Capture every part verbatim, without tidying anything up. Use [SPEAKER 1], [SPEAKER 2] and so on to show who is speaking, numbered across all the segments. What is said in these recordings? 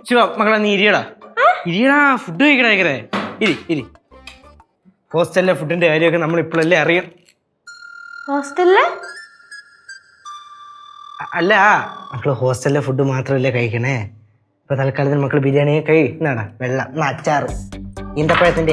[SPEAKER 1] ശിവ മക്കളെ നീ ഇരിയടാ ഇരിയടാ ഫുഡ് കഴിക്കടാ കഴിക്കറേ ഇരി ഇരി ഹോസ്റ്റലിലെ ഫുഡിന്റെ കാര്യമൊക്കെ നമ്മൾ ഇപ്പോഴല്ലേ അറിയാം.
[SPEAKER 2] ഹോസ്റ്റലിലെ
[SPEAKER 1] അല്ല മക്കള് ഹോസ്റ്റലിലെ ഫുഡ് മാത്രമല്ലേ കഴിക്കണേ. ഇപ്പൊ തൽക്കാലത്തിന് മക്കള് ബിരിയാണി കഴിന്നാടാ വെള്ളം അച്ചാറ് ഈന്തപ്പഴത്തിന്റെ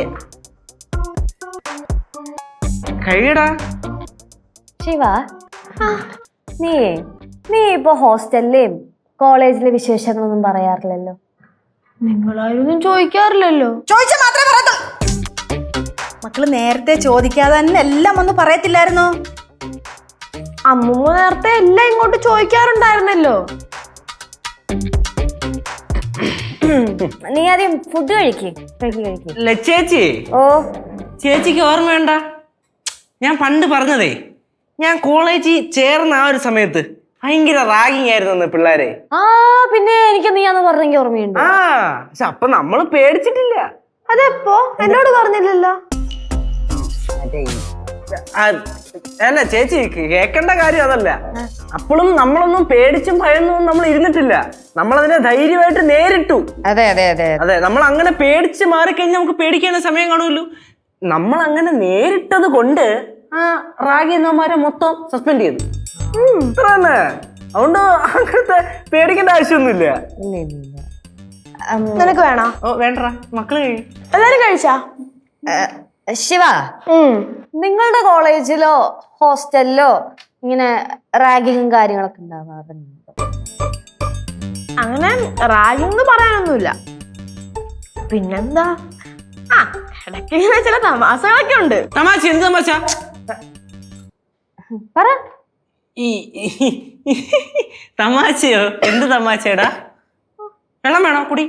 [SPEAKER 1] കഴിയടാ.
[SPEAKER 3] ശിവ നീ നീ ഇപ്പൊ ഹോസ്റ്റലിലെയും കോളേജിലെ വിശേഷങ്ങളൊന്നും പറയാറില്ലല്ലോ.
[SPEAKER 2] നിങ്ങളായിരുന്നു ചോദിക്കാറില്ലല്ലോ.
[SPEAKER 4] ചോദിച്ചാൽ മാത്രമേ പറയത്തുള്ളൂ. മക്കള് നേരത്തെ ചോദിക്കാതെ തന്നെ എല്ലാം ഒന്ന് പറയത്തില്ലായിരുന്നോ?
[SPEAKER 2] അമ്മൂമ്മ നേരത്തെ എല്ലാം ഇങ്ങോട്ട് ചോദിക്കാറുണ്ടായിരുന്നല്ലോ.
[SPEAKER 3] നീ ആദ്യം ഫുഡ് കഴിക്ക് കഴിക്ക് കഴിക്ക്.
[SPEAKER 1] ചേച്ചി
[SPEAKER 3] ഓ
[SPEAKER 1] ചേച്ചിക്ക് ഓർമ്മ വേണ്ട, ഞാൻ പണ്ട് പറഞ്ഞതേ ഞാൻ കോളേജിൽ ചേർന്ന ആ ഒരു സമയത്ത് ഭയങ്കര റാഗിങ് ആയിരുന്നു പിള്ളേരെ.
[SPEAKER 3] ആ പിന്നെ എനിക്ക് നീ അന്ന് പറഞ്ഞെങ്കിൽ ഓർമ്മയുണ്ട്.
[SPEAKER 1] ആ പക്ഷെ അപ്പൊ നമ്മള് പേടിച്ചിട്ടില്ല.
[SPEAKER 2] അതെപ്പോ എന്നോട് പറഞ്ഞില്ലല്ലോ.
[SPEAKER 1] അല്ല ചേച്ചി കേൾക്കേണ്ട കാര്യം അതല്ല. അപ്പോഴും നമ്മളൊന്നും പേടിച്ചും ഭയന്നൊന്നും നമ്മൾ ഇരുന്നിട്ടില്ല. നമ്മളതിനെ ധൈര്യമായിട്ട് നേരിട്ടു.
[SPEAKER 3] അതെ അതെ അതെ
[SPEAKER 1] അതെ നമ്മൾ അങ്ങനെ പേടിച്ച് മാറിക്കഴിഞ്ഞാൽ നമുക്ക് പേടിക്കാനുള്ള സമയം കാണുമല്ലോ. നമ്മൾ അങ്ങനെ നേരിട്ടത് കൊണ്ട് ആ റാഗി എന്നമാരെ മൊത്തം സസ്പെൻഡ് ചെയ്തു. ഇത്ര തന്നെ. അതുകൊണ്ട് അങ്ങനത്തെ പേടിക്കേണ്ട ആവശ്യമൊന്നുമില്ല.
[SPEAKER 2] നിനക്ക് വേണോ?
[SPEAKER 1] ഓ വേണ്ട മക്കള് കഴിയും.
[SPEAKER 2] എല്ലാരും കഴിച്ചാ?
[SPEAKER 3] ശിവ നിങ്ങളുടെ കോളേജിലോ ഹോസ്റ്റലിലോ ഇങ്ങനെ റാഗിങ്ങും കാര്യങ്ങളൊക്കെ ഉണ്ടാവാറുണ്ട്?
[SPEAKER 2] അങ്ങനെ റാഗിങ് പറയാനൊന്നുമില്ല. പിന്നെന്താ, ആ ഇടയ്ക്ക് ഇങ്ങനെ ചില തമാശകളൊക്കെ ഉണ്ട്.
[SPEAKER 1] തമാശ എന്ത് തമാശ
[SPEAKER 3] പറ.
[SPEAKER 1] ഈ തമാശയോ? എന്ത് തമാശടാ? വെള്ളം വേണോ കുടി?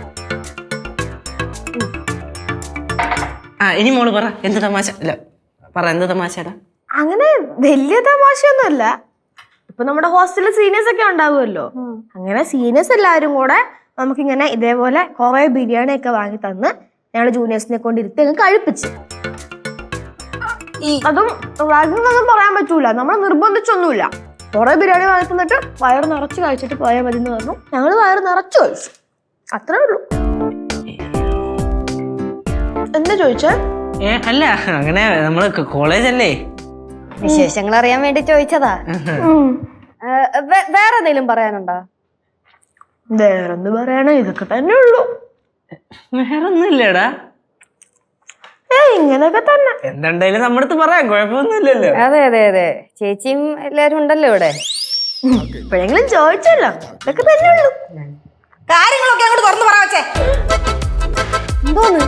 [SPEAKER 1] ആ ഇനി മോള് പറ എന്ത് തമാശ. അല്ല പറ എന്ത് തമാശടാ?
[SPEAKER 2] അങ്ങനെ വലിയ തമാശയൊന്നുമല്ല. ഇപ്പൊ നമ്മുടെ ഹോസ്റ്റലിൽ സീനിയേഴ്സ് ഒക്കെ ഉണ്ടാവുമല്ലോ. അങ്ങനെ സീനിയേഴ്സ് എല്ലാവരും കൂടെ നമുക്കിങ്ങനെ ഇതേപോലെ കുറെ ബിരിയാണി ഒക്കെ വാങ്ങി തന്ന് ഞങ്ങള് ജൂനിയേഴ്സിനെ കൊണ്ട് ഇരുത്തി അങ്ങ് കഴിപ്പിച്ച്. അതും റാഗിങ്ങൊന്നും പറയാൻ പറ്റൂല. നമ്മൾ നിർബന്ധിച്ചൊന്നുമില്ല. കുറെ ബിരിയാണി വാങ്ങി തന്നിട്ട് വയറ് നിറച്ച് കഴിച്ചിട്ട് പോയാൽ മതി എന്ന് പറഞ്ഞു. ഞങ്ങള് വയറ് നിറച്ച് കഴിച്ചു. അത്രേ ഉള്ളൂ. എന്താ ചോദിച്ചേ?
[SPEAKER 1] ഏ അല്ല അങ്ങനെ നമ്മള് കോളേജല്ലേ
[SPEAKER 3] വിശേഷങ്ങൾ അറിയാൻ വേണ്ടി ചോദിച്ചതാ. വേറെ എന്തെങ്കിലും പറയാനുണ്ടോ?
[SPEAKER 2] വേറെന്ത് പറയാനോ, ഇതൊക്കെ തന്നെ ഉള്ളൂ.
[SPEAKER 1] വേറൊന്നുമില്ലടാ.
[SPEAKER 2] ഏ ഇങ്ങനെയൊക്കെ തന്നെ.
[SPEAKER 1] എന്തുണ്ടായാലും നമ്മുടെ അടുത്ത് പറയാം, കുഴപ്പമൊന്നുമില്ലല്ലോ.
[SPEAKER 3] അതെ അതെ അതെ ചേച്ചിയും എല്ലാരും ഉണ്ടല്ലോ ഇവിടെ.
[SPEAKER 2] ഇപ്പോഴെങ്കിലും ചോദിച്ചല്ലോ. ഇതൊക്കെ തന്നെ ഉള്ളൂ.
[SPEAKER 4] കാര്യങ്ങളൊക്കെ അങ്ങോട്ട് തുറന്നു പറ വെച്ചേ.
[SPEAKER 3] എന്തോന്ന്?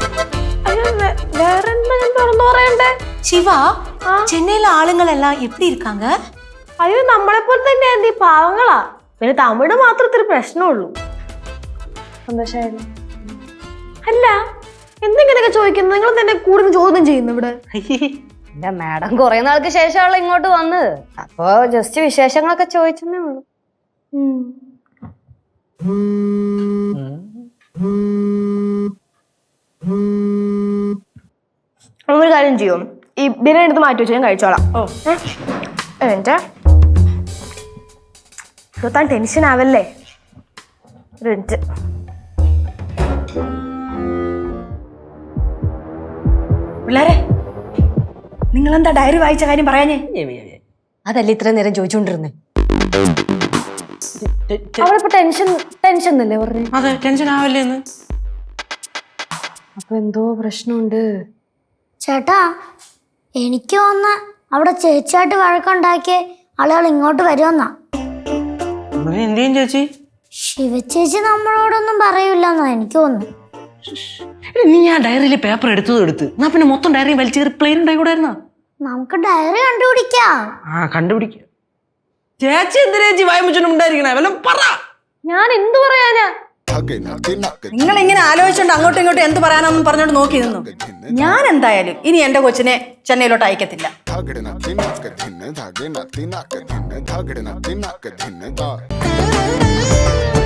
[SPEAKER 2] வேற என்ன തുറന്നു പറയണ്ടേ?
[SPEAKER 4] சிவா, சென்னையில ஆளுங்கள் எல்லாம் எப்படி இருக்காங்க?
[SPEAKER 2] അയ്യോ നമ്മളെ പോലെ തന്നെ എന്തി പാവങ്ങളാ. പിന്നെ തമിഴ് മാത്രം ഇത്തിരി പ്രശ്നമുള്ളൂ.
[SPEAKER 3] സന്തോഷായിരുന്നു.
[SPEAKER 2] അല്ല എന്തെങ്കിലൊക്കെ ചോദിക്കുന്നു. നിങ്ങൾ തന്നെ കൂടുതൽ ചോദ്യം ചെയ്യുന്നു ഇവിടെ.
[SPEAKER 3] എന്റെ മാഡം കുറെ നാൾക്ക് ശേഷമുള്ള ഇങ്ങോട്ട് വന്നത്. അപ്പൊ ജസ്റ്റ് വിശേഷങ്ങളൊക്കെ ചോദിച്ചെന്നേ ഉള്ളൂ.
[SPEAKER 2] ഒരു കാര്യം ചെയ്യും, ഈ ബിരിയാണി എടുത്ത് മാറ്റി വെച്ച് ഞാൻ കഴിച്ചോളാം. ഓ എന്നിട്ട് താൻ ടെൻഷൻ ആവല്ലേ. ഒരു മിനിറ്റ്.
[SPEAKER 4] പിള്ളേരെ നിങ്ങളെന്താ ഡയറി വായിച്ച കാര്യം പറയാഞ്ഞേ?
[SPEAKER 3] അതല്ല ഇത്രയും നേരം ചോദിച്ചോണ്ടിരുന്നേ. അവളിപ്പോ ടെൻഷൻ ടെൻഷൻ എന്നല്ലേ പറഞ്ഞു?
[SPEAKER 1] അതെ ടെൻഷൻ ആവല്ലേന്ന്.
[SPEAKER 3] അപ്പൊ എന്തോ പ്രശ്നമുണ്ട്.
[SPEAKER 5] ചേട്ടാ എനിക്ക് തോന്നുന്ന അവിടെ ചേച്ചിയായിട്ട് വഴക്കുണ്ടാക്കിയ ആളുകൾ ഇങ്ങോട്ട് വരുമെന്നാ.
[SPEAKER 1] എന്തെയും ചേച്ചി?
[SPEAKER 5] ശിവചേച്ചി നമ്മളോടൊന്നും പറയൂലെന്നോ എനിക്ക് തോന്നുന്നു.
[SPEAKER 1] നീ ആ ഡയറിയിലെ പേപ്പർ എടുത്തത് എടുത്ത് എന്നാ പിന്നെ മൊത്തം ഡയറി വലിച്ചേറി പ്ലെയിൻ ഉണ്ടായിക്കൂടായിരുന്നോ?
[SPEAKER 5] നമുക്ക് ഡയറി കണ്ടുപിടിക്കാം.
[SPEAKER 1] ആ കണ്ടുപിടിക്കാം. ചേച്ചി എന്തിനാ ചേച്ചി വായ്മച്ചുണ്ടായിരിക്കണേ? വല്ലതും പറ.
[SPEAKER 3] ഞാൻ എന്ത് പറയാനാ?
[SPEAKER 4] നിങ്ങൾ ഇങ്ങനെ ആലോചിച്ചോണ്ട് അങ്ങോട്ടും ഇങ്ങോട്ടും എന്ത് പറയാനൊന്നും പറഞ്ഞോണ്ട് നോക്കി നിന്നു. ഞാൻ എന്തായാലും ഇനി എന്റെ കൊച്ചിനെ ചെന്നൈയിലോട്ട് അയക്കത്തില്ല.